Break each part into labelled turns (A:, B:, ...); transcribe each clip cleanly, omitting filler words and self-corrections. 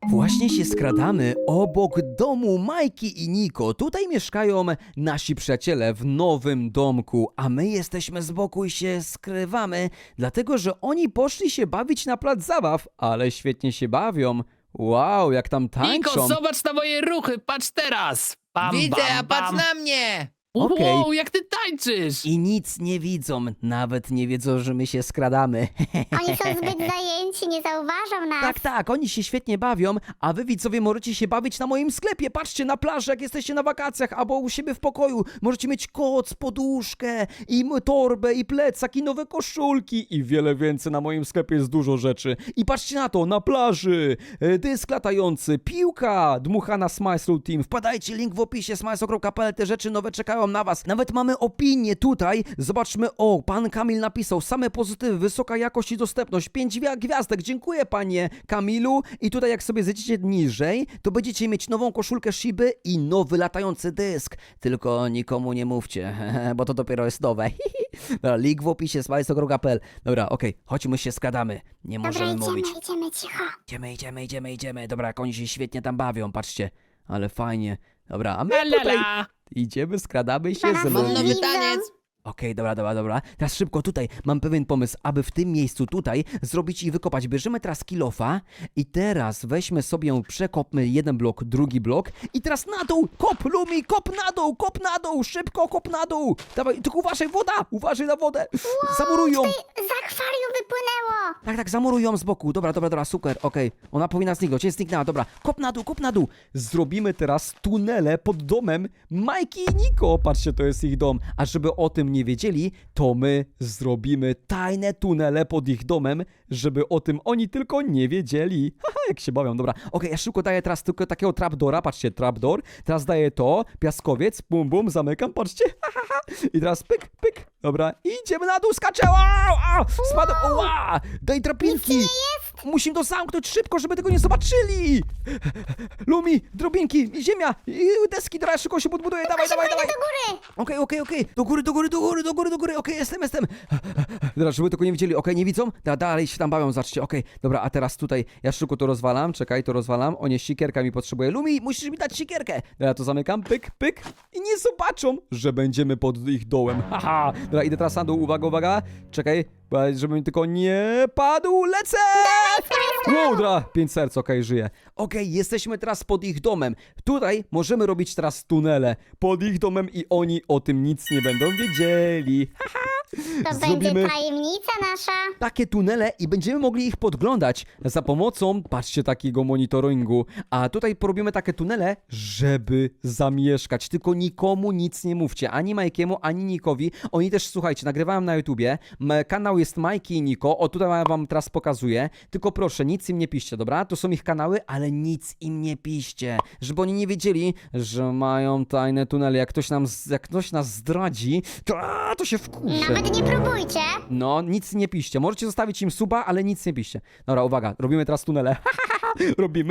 A: Właśnie się skradamy obok domu Majki i Niko. Tutaj mieszkają nasi przyjaciele w nowym domku, a my jesteśmy z boku i się skrywamy, dlatego że oni poszli się bawić na plac zabaw, ale świetnie się bawią. Wow, jak tam tańczą.
B: Niko, zobacz na moje ruchy, patrz teraz! Bam,
C: Widzę,
B: bam,
C: a patrz
B: bam.
C: na mnie!
A: Okej.
B: Wow, jak ty tańczysz!
A: I nic nie widzą, nawet nie wiedzą, że my się skradamy.
D: Oni są zbyt zajęci, nie zauważą nas.
A: Tak, tak, oni się świetnie bawią, a wy widzowie możecie się bawić na moim sklepie. Patrzcie na plażę, jak jesteście na wakacjach, albo u siebie w pokoju. Możecie mieć koc, poduszkę, i torbę, i plecak, i nowe koszulki, i wiele więcej. Na moim sklepie jest dużo rzeczy. I patrzcie na to, na plaży, dysk latający, piłka, dmuchana Smysl Team. Wpadajcie, link w opisie, smysl.pl, te rzeczy nowe czekają na was. Nawet mamy opinię tutaj, zobaczmy, o, pan Kamil napisał, same pozytywy, wysoka jakość i dostępność, 5 gwiazdek, dziękuję panie Kamilu. I tutaj jak sobie zejdziecie niżej, to będziecie mieć nową koszulkę Shiby i nowy latający dysk. Tylko nikomu nie mówcie, bo to dopiero jest nowe. Dobra, link w opisie, smysl.pl. Dobra, okej, chodźmy się skradamy, nie
D: Dobra,
A: możemy mówić.
D: idziemy cicho.
A: Idziemy. Dobra, jak oni się świetnie tam bawią, patrzcie. Ale fajnie. Dobra, a my
B: La, la,
A: tutaj
B: la.
A: idziemy, skradamy się
D: Zaraz
A: z
D: mam
C: Mam
A: ludźmi.
C: nowy
D: Widzę.
C: taniec!
A: Okej, dobra. Teraz szybko tutaj, mam pewien pomysł, aby w tym miejscu tutaj zrobić i wykopać. Bierzemy teraz kilofa i teraz weźmy sobie, przekopmy jeden blok, drugi blok i teraz na dół, kop Lumi, kop na dół, szybko kop na dół. Dawaj, tylko uważaj, woda, uważaj na wodę. Zamurują.
D: Z akwarium wypłynęło.
A: Tak, zamurują z boku. Dobra, super, okej. Ona powinna zniknąć, jest zniknęła, dobra. Kop na dół. Zrobimy teraz tunele pod domem Majki i Niko. Patrzcie, to jest ich dom. A żeby o tym nie wiedzieli, to my zrobimy tajne tunele pod ich domem, żeby o tym oni tylko nie wiedzieli. Haha, jak się bawią, dobra. Okej, ja szybko daję teraz tylko takiego trapdora, patrzcie, trapdoor. Teraz daję to, piaskowiec, bum, zamykam, patrzcie. I teraz pyk. Dobra, idziemy na dół, skaczę. Wow, spadł. Wow, daj drabinki. Musimy to zamknąć szybko, żeby tego nie zobaczyli. Lumi, drobinki, ziemia, deski, teraz szybko się podbuduje. Dawaj.
D: Do góry.
A: Okej. Do góry. Okej, jestem. Dobra, żeby tego nie widzieli. Okej, nie widzą? Dalej się tam bawią, zobaczcie. Okej, dobra, a teraz tutaj ja szybko to rozwalam. Czekaj, to rozwalam. O nie, sikierka mi potrzebuje. Lumi, musisz mi dać sikierkę. Dobra, to zamykam. Pyk. I nie zobaczą, że będziemy pod ich dołem. Haha. Dobra, idę teraz na dół. Uwaga. Czekaj, żebym tylko nie padł. Lecę! Wow, dobra, 5 serc, okej, żyję. Okej, jesteśmy teraz pod ich domem. Tutaj możemy robić teraz tunele pod ich domem i oni o tym nic nie będą wiedzieli.
D: To
A: Zrobimy
D: będzie tajemnica nasza.
A: takie tunele i będziemy mogli ich podglądać za pomocą, patrzcie, takiego monitoringu. A tutaj porobimy takie tunele, żeby zamieszkać. Tylko nikomu nic nie mówcie, ani Majkiemu, ani Nikowi. Oni też, słuchajcie, nagrywałem na YouTubie. Kanał jest Majki i Niko. O, tutaj wam teraz pokazuję. Tylko proszę, nic im nie piszcie, dobra? To są ich kanały, ale nic im nie piszcie. Żeby oni nie wiedzieli, że mają tajne tunele. Jak ktoś nas zdradzi, to się wkurzy.
D: Nawet nie próbujcie.
A: No, nic nie piszcie. Możecie zostawić im suba, ale nic nie piszcie. Dobra, uwaga, robimy teraz tunele. Robimy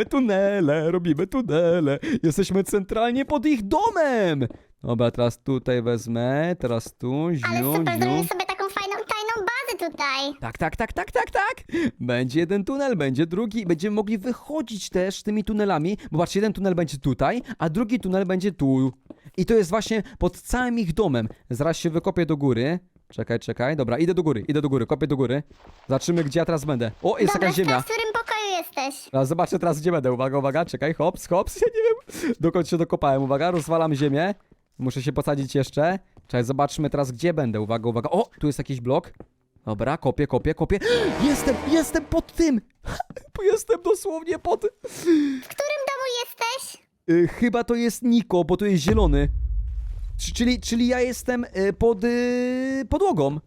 A: tunele. Jesteśmy centralnie pod ich domem. Dobra, teraz tutaj wezmę, teraz tu,
D: Ale super,
A: ziu.
D: zrobimy sobie taką fajną, tajną bazę tutaj.
A: Tak. Będzie jeden tunel, będzie drugi. Będziemy mogli wychodzić też tymi tunelami. Bo patrzcie, jeden tunel będzie tutaj, a drugi tunel będzie tu. I to jest właśnie pod całym ich domem. Zaraz się wykopię do góry. Czekaj. Dobra, idę do góry, kopię do góry. Zobaczymy, gdzie ja teraz będę. O, jest
D: Dobra,
A: jakaś ziemia.
D: w którym pokoju jesteś?
A: Teraz zobaczę teraz, gdzie będę. Uwaga, czekaj, hops. Ja nie wiem, dokąd się dokopałem. Uwaga, rozwalam ziemię. Muszę się posadzić jeszcze. Czekaj, zobaczmy teraz, gdzie będę. Uwaga. O, tu jest jakiś blok. Dobra, kopię. Jestem pod tym. Jestem dosłownie pod...
D: W którym domu jesteś?
A: Chyba to jest Niko, bo to jest zielony. Czyli ja jestem pod podłogą.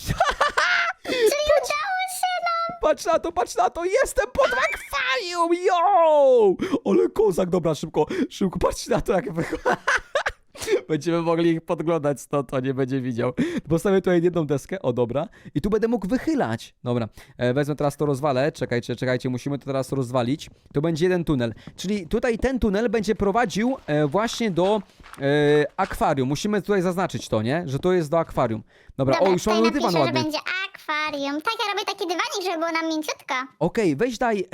D: Czyli udało się nam.
A: Patrz na to, jestem pod akwarium, yo! Ale kozak, dobra, szybko, patrzcie na to, jak wychodzi. Będziemy mogli ich podglądać stąd, on nie będzie widział. Postawię tutaj jedną deskę, o dobra. I tu będę mógł wychylać. Dobra, wezmę teraz to rozwalę. Czekajcie, musimy to teraz rozwalić. To będzie jeden tunel. Czyli tutaj ten tunel będzie prowadził właśnie do akwarium. Musimy tutaj zaznaczyć to, nie? Że to jest do akwarium. Dobra, o, już
D: tutaj
A: mamy dywan
D: napiszę, że
A: ładny.
D: będzie akwarium. Tak, ja robię taki dywanik, żeby było nam mięciutko.
A: Okej, weź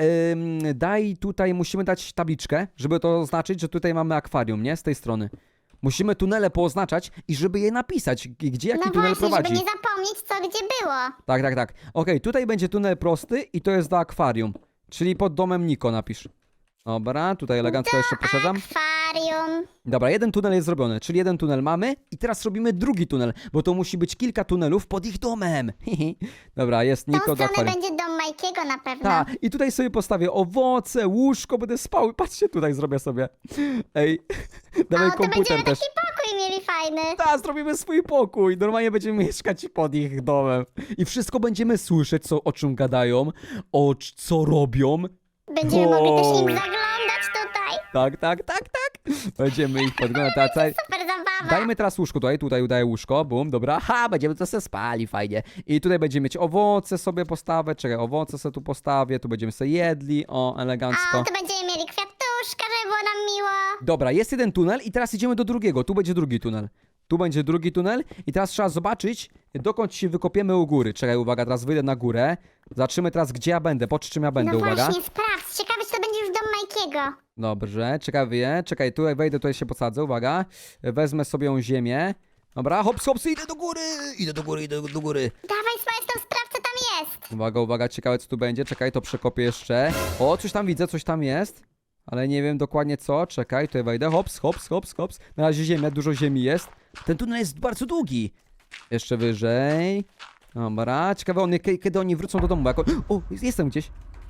A: daj tutaj, musimy dać tabliczkę, żeby to oznaczyć, że tutaj mamy akwarium, nie? Z tej strony. Musimy tunele pooznaczać i żeby je napisać, gdzie jaki
D: No
A: tunel
D: właśnie,
A: prowadzi.
D: żeby nie zapomnieć, co gdzie było.
A: Tak. Okej, tutaj będzie tunel prosty i to jest do akwarium. Czyli pod domem Niko napisz. Dobra, tutaj elegancko jeszcze poszerzam.
D: Akwarium.
A: Dobra, jeden tunel jest zrobiony, czyli jeden tunel mamy i teraz robimy drugi tunel, bo to musi być kilka tunelów pod ich domem. Dobra, jest
D: Tą
A: Niko do
D: stronę
A: akwarium.
D: będzie dom Majkiego na pewno.
A: Tak, i tutaj sobie postawię owoce, łóżko, będę spał. Patrzcie, tutaj zrobię sobie. Ej, dawaj
D: O, to
A: komputer
D: będziemy
A: też.
D: taki pokój mieli fajny.
A: Tak, zrobimy swój pokój. Normalnie będziemy mieszkać pod ich domem. I wszystko będziemy słyszeć, o czym gadają, co robią.
D: Będziemy mogli też
A: Wow.
D: im zaglądać tutaj.
A: Tak. Będziemy ich podglądać.
D: Super zabawa.
A: Dajmy teraz łóżko tutaj udaję łóżko, bum, dobra, będziemy to sobie spali, fajnie. I tutaj będziemy mieć owoce sobie postawę, czekaj, owoce sobie tu postawię, tu będziemy sobie jedli, o, elegancko.
D: A, tu będziemy mieli kwiatuszka, żeby było nam miło.
A: Dobra, jest jeden tunel i teraz idziemy do drugiego, tu będzie drugi tunel. Tu będzie drugi tunel i teraz trzeba zobaczyć, dokąd się wykopiemy u góry. Czekaj, uwaga, teraz wyjdę na górę. Zobaczymy teraz, gdzie ja będę, pod czym ja będę,
D: No
A: uwaga.
D: właśnie, sprawdź. Ciekawe, czy to będzie już dom Majkiego.
A: Dobrze, czekaj, tutaj wejdę, tutaj się podsadzę, uwaga. Wezmę sobie ziemię. Dobra, hops, idę do góry, idę do góry.
D: Dawaj, Smajstą, sprawdź, co tam jest.
A: Uwaga, ciekawe co tu będzie, czekaj, to przekopię jeszcze. O, coś tam widzę, coś tam jest. Ale nie wiem dokładnie co, czekaj, tutaj wejdę, hops. Na razie ziemia, dużo ziemi jest. Ten tunel jest bardzo długi. Jeszcze wyżej. Dobra, ciekawe, kiedy oni wrócą do domu, bo O, jestem gdzieś.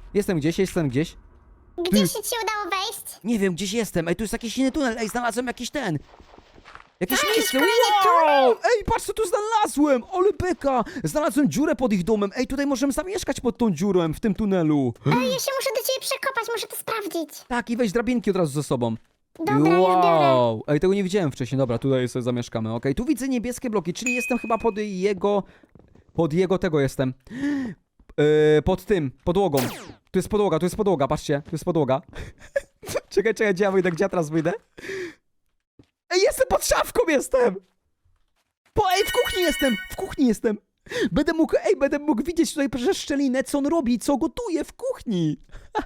D: Gdzie się ci udało wejść?
A: Nie wiem, gdzieś jestem. Ej, tu jest jakiś inny tunel. Ej, znalazłem jakiś ten. Jakieś miejsce.
D: kolejny
A: Wow! Ej, patrz co tu znalazłem! Ole beka! Znalazłem dziurę pod ich domem. Ej, tutaj możemy zamieszkać pod tą dziurą w tym tunelu.
D: Ej, ja się muszę do ciebie przekopać, muszę to sprawdzić.
A: Tak, i weź drabinki od razu ze sobą.
D: Dobra, ja biorę.
A: Ej, tego nie widziałem wcześniej. Dobra, tutaj sobie zamieszkamy. Okej, tu widzę niebieskie bloki, czyli jestem chyba pod jego tego jestem. Pod tym, podłogą. Tu jest podłoga, patrzcie, tu jest podłoga. Czekaj, gdzie ja wyjdę, gdzie ja teraz wyjdę? Ej, jestem pod szafką, jestem! Ej, w kuchni jestem! Będę mógł widzieć tutaj przez szczelinę, co on robi, co gotuje w kuchni.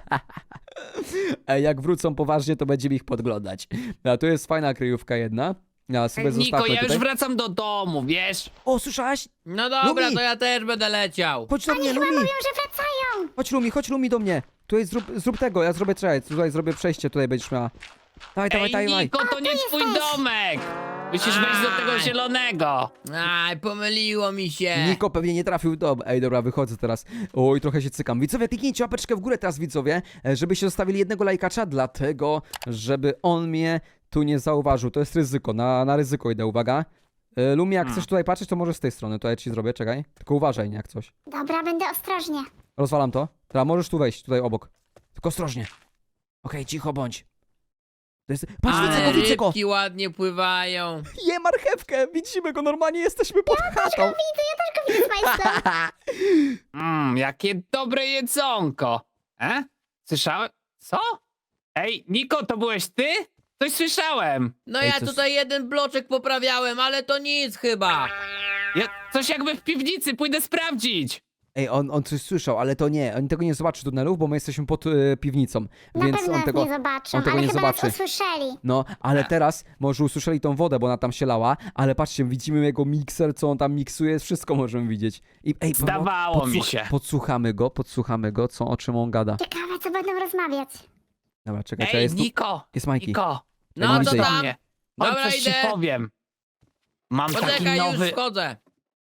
A: Ej, jak wrócą poważnie, to będziemy ich podglądać. A tu jest fajna kryjówka jedna. Ja sobie
B: Niko,
A: zostawmy
B: ja już
A: tutaj.
B: wracam do domu, wiesz?
A: O, słyszałaś?
C: No dobra,
A: Lumi!
C: to ja też będę leciał.
A: Chodź do mnie,
D: Chyba
A: Lumi!
D: mówią, że wracają.
A: Chodź Lumi do mnie. Tutaj zrób tego, ja zrobię, tutaj zrobię przejście, tutaj będziesz miała. Dawaj.
B: Ej, Niko, to nie twój domek! Musisz wejść do tego
C: Aj.
B: zielonego.
C: Aj, pomyliło mi się.
A: Niko pewnie nie trafił do... Ej, dobra, wychodzę teraz. Oj, trochę się cykam. Widzowie, kliknijcie łapeczkę w górę teraz, widzowie, żebyście zostawili jednego lajkacza, dlatego, żeby on mnie tu nie zauważył. To jest ryzyko, na ryzyko idę, uwaga. Lumi, jak chcesz tutaj patrzeć, to może z tej strony. To ja ci zrobię, czekaj. Tylko uważaj, nie jak coś.
D: Dobra, będę ostrożnie.
A: Rozwalam to. Teraz możesz tu wejść, tutaj obok. Tylko ostrożnie. Okej, cicho bądź. To jest... Patrz,
C: Ale
A: widzę go!
C: rybki ładnie pływają.
A: Je marchewkę! Widzimy go, normalnie jesteśmy pod chatą.
D: Widzę, ja też go widzę, Smajstą.
B: Jakie dobre jedzonko. Słyszałem? Co? Ej, Niko, to byłeś ty? Coś słyszałem.
C: No
A: Ej,
C: ja
A: coś-
C: tutaj jeden bloczek poprawiałem, ale to nic chyba.
B: Coś jakby w piwnicy, pójdę sprawdzić.
A: Ej, on coś słyszał, ale to nie. On tego nie zobaczy tunelów, bo my jesteśmy pod piwnicą.
D: Na
A: Więc
D: pewno
A: on
D: nas
A: tego...
D: nie zobaczą,
A: on tego
D: ale
A: nie
D: chyba
A: zobaczy.
D: nas usłyszeli.
A: No, ale teraz może usłyszeli tą wodę, bo ona tam się lała, ale patrzcie, widzimy jego mikser, co on tam miksuje, wszystko możemy widzieć. I ej,
B: Zdawało mi się.
A: Podsłuchamy go, o czym on gada.
D: Ciekawe, co będą rozmawiać.
A: Dobra, czekaj,
B: Ej,
A: jest tu...
B: Niko,
A: Jest Majki.
B: Niko,
A: nie
C: No
A: widzę
C: to
A: ich.
C: tam.
B: mnie. Chodź,
C: Dobra,
B: coś ci
C: idę.
B: powiem. Mam taki
C: Poczekaj,
B: nowy...
C: już wchodzę.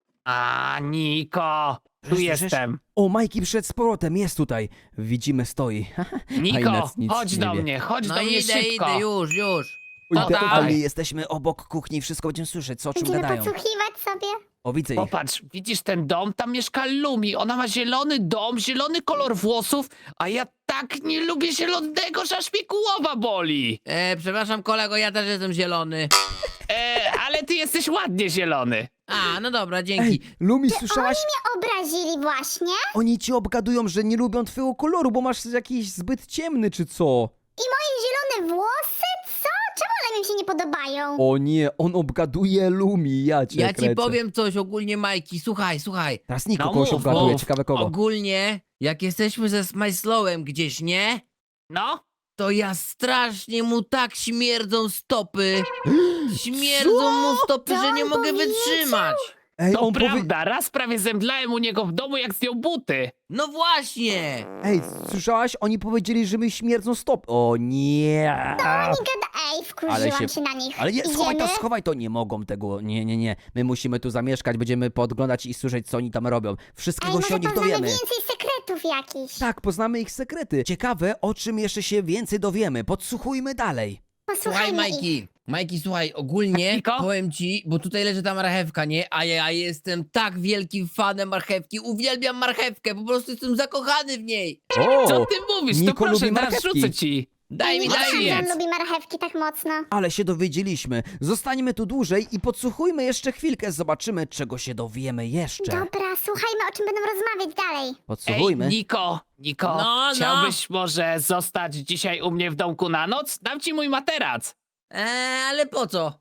B: Niko, tu
A: Słyszysz?
B: jestem.
A: O, Majki przyszedł z powrotem, jest tutaj. Widzimy, stoi.
B: Niko,
A: nic
B: chodź
A: nie
B: do
A: wie.
B: mnie, chodź
C: No
B: do mnie
C: idę,
B: szybko.
C: już.
B: No
A: Idealnie,
B: dawaj.
A: jesteśmy obok kuchni, wszystko będziemy słyszeć, co o czym
D: Będziemy
A: gadają.
D: podsłuchiwać sobie.
A: O, widzę ich.
B: Popatrz, widzisz ten dom? Tam mieszka Lumi. Ona ma zielony dom, zielony kolor włosów, a ja tak nie lubię zielonego, że aż mnie głowa boli.
C: Przepraszam kolego, ja też jestem zielony.
B: Ale ty jesteś ładnie zielony.
C: A, no dobra, dzięki.
A: Ej, Lumi, słyszałaś?
D: Mnie obrazili właśnie.
A: Oni ci obgadują, że nie lubią twojego koloru, bo masz jakiś zbyt ciemny, czy co?
D: I moje zielone włosy? Co? Czemu one mi się nie podobają?
A: O nie, on obgaduje Lumi, ja cię
C: Ja ci
A: kręcę.
C: powiem coś ogólnie, Majki. Słuchaj.
A: Teraz Niko
B: No
A: kogoś
B: mów,
A: obgaduje,
B: mów.
A: ciekawe kogo.
C: Ogólnie, jak jesteśmy ze Smajslowem gdzieś, nie?
B: No?
C: To ja strasznie mu tak śmierdzą stopy. Śmierdzą mu stopy,
D: Co
C: że nie
D: on
C: mogę
D: powiedział?
C: wytrzymać.
A: Ej,
B: To
A: on
B: prawda, raz prawie zemdlałem u niego w domu, jak zdjął buty.
C: No właśnie.
A: Ej, słyszałaś? Oni powiedzieli, że my śmierdzą stop. O nie.
D: Ej,
A: Ale
D: wkurzyłam
A: się-
D: się na nich.
A: Ale nie, schowaj to,
D: Idziemy?
A: schowaj to. Nie mogą tego. Nie. My musimy tu zamieszkać, będziemy podglądać i słyszeć, co oni tam robią.
D: Ej,
A: Wszystkiego
D: może
A: się o nich
D: poznamy
A: dowiemy.
D: więcej sekretów jakichś.
A: Tak, poznamy ich sekrety. Ciekawe, o czym jeszcze się więcej dowiemy. Podsłuchujmy dalej.
C: Słuchaj,
D: Posłuchajmy ich.
C: Majki. Majki, słuchaj, ogólnie
B: Niko?
C: powiem ci, bo tutaj leży ta marchewka, nie? A ja jestem tak wielkim fanem marchewki. Uwielbiam marchewkę, po prostu jestem zakochany w niej.
A: O,
B: Co ty mówisz?
A: Niko
B: To proszę,
A: lubi
B: teraz
A: marchewki.
B: rzucę ci.
C: Daj mi,
D: Nie
C: daj
D: wiedziałam,
C: mi.
D: że
B: jedz.
D: on lubi marchewki tak mocno.
A: ale się dowiedzieliśmy. Zostańmy tu dłużej i podsłuchujmy jeszcze chwilkę. Zobaczymy, czego się dowiemy jeszcze.
D: Dobra, słuchajmy, o czym będą rozmawiać dalej.
A: Podsłuchujmy.
B: Ej, Niko,
C: No.
B: chciałbyś może zostać dzisiaj u mnie w domku na noc? Dam ci mój materac.
C: Ale po co?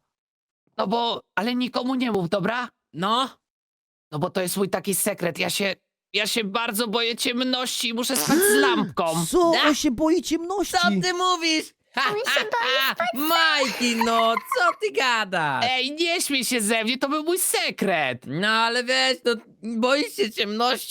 B: Ale nikomu nie mów, dobra?
C: No,
B: No bo to jest mój taki sekret. Ja się bardzo boję ciemności i muszę spać z lampką.
A: Co?
C: Da.
A: On się boi ciemności.
C: co ty mówisz? Ha,
D: On się
C: Majki, no, co ty gadasz?
B: Ej, nie śmiej się ze mnie, to był mój sekret.
C: No ale wiesz, no, boisz się ciemności?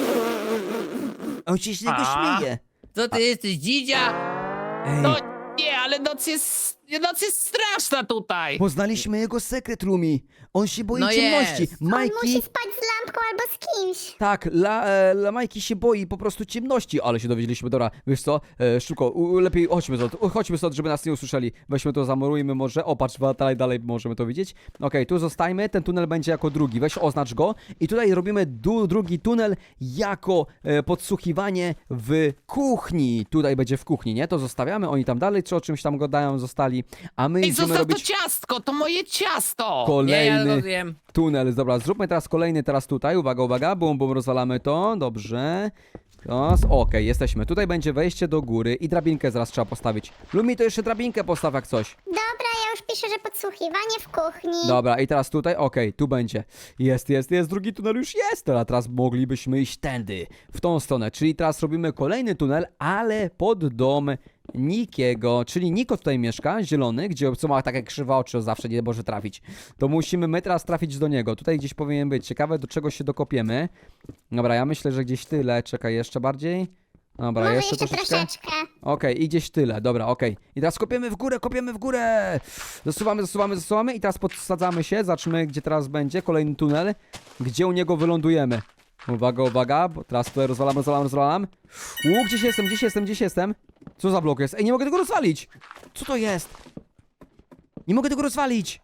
A: On się z niego
B: A.
A: śmieje.
C: Co ty jesteś, dzidzia?
A: Ej,
B: No nie, ale noc jest straszna tutaj.
A: poznaliśmy jego sekret, Lumi. On się boi
C: No
A: ciemności.
C: jest.
D: On musi
A: Majki...
D: spać z lampką albo z kimś.
A: Tak, la Majki się boi po prostu ciemności, ale się dowiedzieliśmy, dobra, wiesz co, szybko, lepiej chodźmy stąd, żeby nas nie usłyszeli, weźmy to, zamurujmy może, o patrz, dalej możemy to widzieć, okej, tu zostajmy, ten tunel będzie jako drugi, weź oznacz go i tutaj robimy drugi tunel jako podsłuchiwanie w kuchni, tutaj będzie w kuchni, nie, to zostawiamy, oni tam dalej, czy o czymś tam gadają, zostali, a my
B: Ej,
A: idziemy
B: zostaw
A: robić
B: to ciastko, to moje ciasto.
C: Nie, ja
A: kolejny
C: to wiem.
A: tunel. Dobra, zróbmy teraz kolejny, teraz tutaj. Uwaga, bum, rozwalamy to. Dobrze. Okej, jesteśmy. Tutaj będzie wejście do góry i drabinkę zaraz trzeba postawić. Lumi, to jeszcze drabinkę postaw jak coś.
D: Dobra, ja już piszę, że podsłuchiwanie w kuchni.
A: Dobra, i teraz tutaj, okej, tu będzie. Jest, drugi tunel już jest. Teraz moglibyśmy iść tędy, w tą stronę. Czyli teraz robimy kolejny tunel, ale pod dom Nikiego. Czyli Niko tutaj mieszka, zielony, co ma takie krzywe oczy, zawsze nie może trafić. To musimy my teraz trafić do niego. Tutaj gdzieś powinien być. Ciekawe, do czego się dokopiemy. Dobra, ja myślę, że gdzieś tyle. Czekaj, jeszcze bardziej. Dobra,
D: Może
A: jeszcze
D: jeszcze troszeczkę.
A: Okej, i gdzieś tyle, dobra, okej. I teraz kopiemy w górę! Zasuwamy i teraz podsadzamy się, zobaczymy gdzie teraz będzie, kolejny tunel, gdzie u niego wylądujemy. Uwaga, bo teraz tutaj rozwalam. Gdzieś jestem? Co za blok jest? Ej, nie mogę tego rozwalić! Co to jest? Nie mogę tego rozwalić!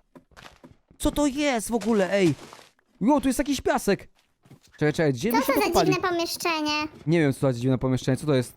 A: Co to jest w ogóle, ej? Jo, tu jest jakiś piasek! Czekaj, gdzie my
D: Co
A: się
D: to za
A: dokopali?
D: dziwne pomieszczenie?
A: Nie wiem, co to za dziwne pomieszczenie, co to jest?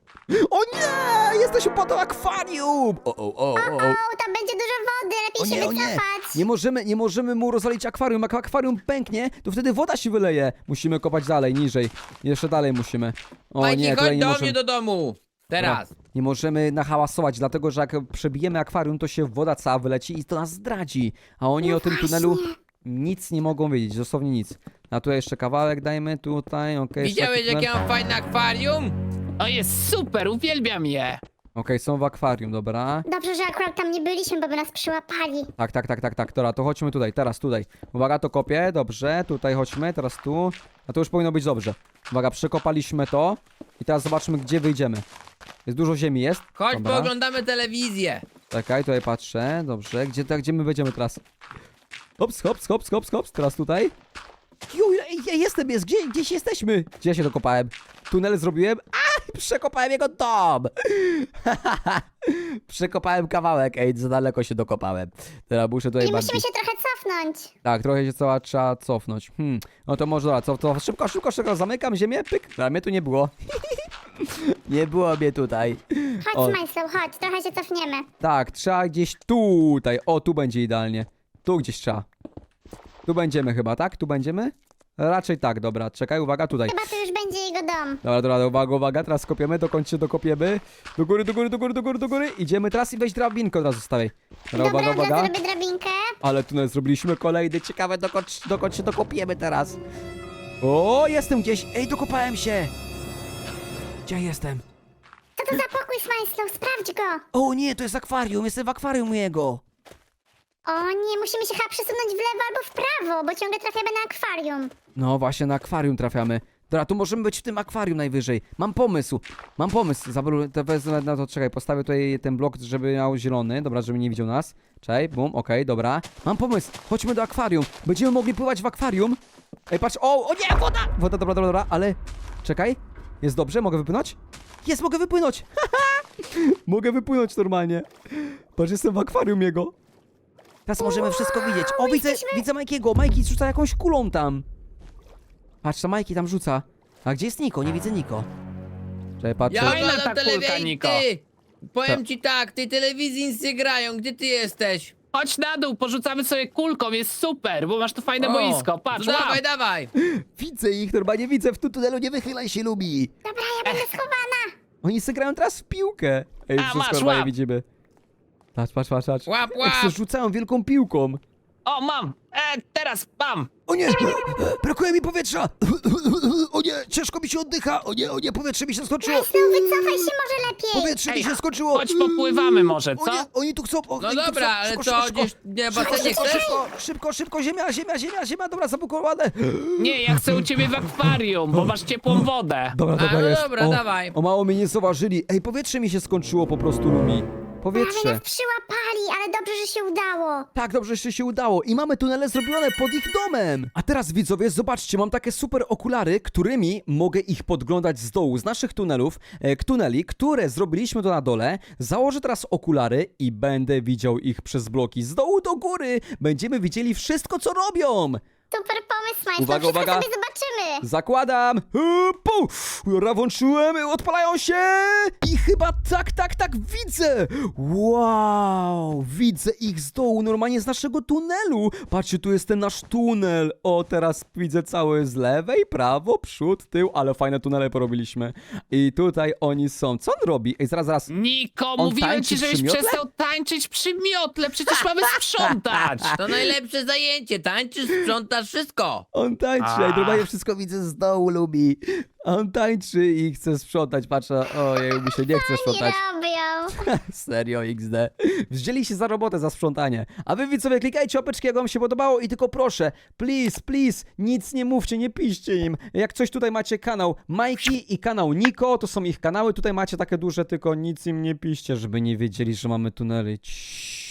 A: O nie! Jesteśmy pod akwarium! O.
D: Tam będzie dużo wody, lepiej się wycofać.
A: Nie możemy mu rozwalić akwarium. Jak akwarium pęknie, to wtedy woda się wyleje. Musimy kopać dalej, niżej. Jeszcze dalej musimy. O
C: Majki,
A: nie, tutaj
C: chodź
A: nie
C: do
A: możemy.
C: mnie do domu. Teraz.
A: Dobra, nie możemy nahałasować, dlatego że jak przebijemy akwarium, to się woda cała wyleci i to nas zdradzi. A oni o tym tunelu nic nie mogą wiedzieć, dosłownie nic. A tu jeszcze kawałek dajmy, tutaj, okej.
C: Widziałeś,
A: taki tunel.
C: jakie mam fajne akwarium?
B: O, jest super, uwielbiam je.
A: Okej, są w akwarium, dobra.
D: Dobrze, że akurat tam nie byliśmy, bo by nas przyłapali.
A: Tak. Dobra, to chodźmy tutaj, teraz tutaj. Uwaga, to kopię, dobrze, tutaj chodźmy, teraz tu. A to już powinno być dobrze. Uwaga, przekopaliśmy to. I teraz zobaczmy, gdzie wyjdziemy. Jest dużo ziemi, jest?
C: Chodź,
A: Dobra.
C: pooglądamy telewizję.
A: Czekaj, tutaj patrzę, dobrze. Gdzie my będziemy teraz? Hops, teraz tutaj. Juj, jest, gdzieś jesteśmy. Gdzie ja się dokopałem? Tunel zrobiłem? Przekopałem jego dom. Przekopałem kawałek, za daleko się dokopałem. Teraz muszę tutaj
D: I
A: bardziej...
D: musimy się trochę cofnąć.
A: Tak, trochę się trzeba cofnąć. No to może dobra, co, szybko, zamykam ziemię, pyk. Dobra, mnie tu nie było. Nie było mnie tutaj. O.
D: Chodź, Smajslow, chodź, trochę się cofniemy.
A: Tak, trzeba gdzieś tutaj. O, tu będzie idealnie. Tu gdzieś trzeba. Tu będziemy chyba, tak? Tu będziemy? Raczej tak, dobra. Czekaj, uwaga, tutaj.
D: Chyba to już będzie jego dom.
A: Dobra, uwaga, teraz kopiemy, dokąd się dokopiemy. Do góry. Idziemy teraz i weź drabinkę od razu stawiaj. Dobra,
D: Dobra,
A: uwaga.
D: ja zrobię drabinkę.
A: Ale tunel zrobiliśmy kolejny, ciekawe dokąd się dokopiemy teraz. O, jestem gdzieś, dokopałem się. Gdzie jestem?
D: Co to za pokój, Smajslow? Sprawdź go.
A: O nie, to jest akwarium, jestem w akwarium jego.
D: O nie, musimy się chyba przesunąć w lewo albo w prawo, bo ciągle trafiamy na akwarium.
A: No właśnie, na akwarium trafiamy. Dobra, tu możemy być w tym akwarium najwyżej. Mam pomysł. To wezmę na to, czekaj, postawię tutaj ten blok, żeby miał zielony. Dobra, żeby nie widział nas. Czekaj, bum, okej, dobra. Mam pomysł, chodźmy do akwarium. Będziemy mogli pływać w akwarium. Ej, patrz, o nie, woda! Woda, dobra, ale... Czekaj, jest dobrze, mogę wypłynąć? Jest, mogę wypłynąć! Mogę wypłynąć normalnie. Patrz, jestem w akwarium jego. Teraz możemy wszystko widzieć. O, widzę Majkiego. Majki rzuca jakąś kulą tam. Patrz, to Majki tam rzuca. A gdzie jest Niko? Nie widzę Niko. Czekaj, patrzę.
C: Ja
B: Fajna
C: oglądam
B: ta kulka,
C: telewizję,
B: Niko.
C: ty! Powiem
A: Co?
C: ci tak, tej telewizji nic nie grają, gdzie ty jesteś?
B: Chodź na dół, porzucamy sobie kulką, jest super, bo masz tu fajne
C: O,
B: boisko. Patrz,
C: to
B: łap.
C: dawaj.
A: Widzę ich, normalnie widzę. W tym tunelu nie wychylaj się, lubi.
D: Dobra, ja będę schowana.
A: Oni se grają teraz w piłkę. Ej,
B: A,
A: wszystko
B: masz,
A: normalnie
B: łap.
A: widzimy. Patrz.
C: Łap.
A: Jak se rzucają wielką piłką.
B: O, mam. Teraz mam.
A: O nie! Brakuje mi powietrza! O nie, ciężko mi się oddycha! O nie, powietrze mi się skończyło!
D: Smajslow, wycofaj się może lepiej.
A: Powietrze mi
B: Ej,
A: się skończyło!
B: chodź popływamy może,
A: O
B: co?
A: nie, oni tu chcą...
C: No dobra, ale co, gdzieś nie basenie chcesz?
A: Szybko, ziemia, dobra, zablokowane!
B: Nie, ja chcę u ciebie w akwarium, bo masz ciepłą wodę.
A: Dobra,
C: no
A: jest.
C: dobra, dawaj.
A: O, mało mnie nie zauważyli. Ej, powietrze mi się skończyło po prostu, Lumi.
D: Prawie
A: Powietrze.
D: nas przyłapali, ale dobrze, że się udało.
A: Tak, dobrze, że się udało. I mamy tunele zrobione pod ich domem. A teraz, widzowie, zobaczcie, mam takie super okulary, którymi mogę ich podglądać z dołu, z naszych tunelów, tuneli, które zrobiliśmy tu na dole. Założę teraz okulary i będę widział ich przez bloki z dołu do góry. Będziemy widzieli wszystko, co robią.
D: Super pomysł, Smajslow.
A: Uwaga,
D: Wszystko
A: uwaga.
D: sobie zobaczymy.
A: Zakładam! Dobra, włączyłem, odpalają się! I chyba tak, widzę! Wow! Widzę ich z dołu, normalnie z naszego tunelu! Patrzcie, tu jest ten nasz tunel! O, teraz widzę cały z lewej, prawo, przód, tył, ale fajne tunele porobiliśmy. I tutaj oni są. Co on robi? Ej, zaraz.
B: Niko,
A: On
B: mówiłem
A: tańczy
B: ci, żebyś
A: przy miotle?
B: przestał tańczyć przy miotle, przecież mamy sprzątać.
C: To najlepsze zajęcie, tańczysz, sprzątasz, wszystko.
A: On tańczy, ej, normalnie wszystko widzę z dołu, lubi. On tańczy i chce sprzątać, patrzę, ojej, mi się nie chce
D: Nie
A: sprzątać.
D: robią.
A: Serio XD. Wzięli się za robotę, za sprzątanie. A wy widzowie, klikajcie łapeczki, jak wam się podobało i tylko proszę, please, nic nie mówcie, nie piszcie im. Jak coś tutaj macie kanał Majki i kanał Niko, to są ich kanały, tutaj macie takie duże, tylko nic im nie piszcie, żeby nie wiedzieli, że mamy tunely. Ciii.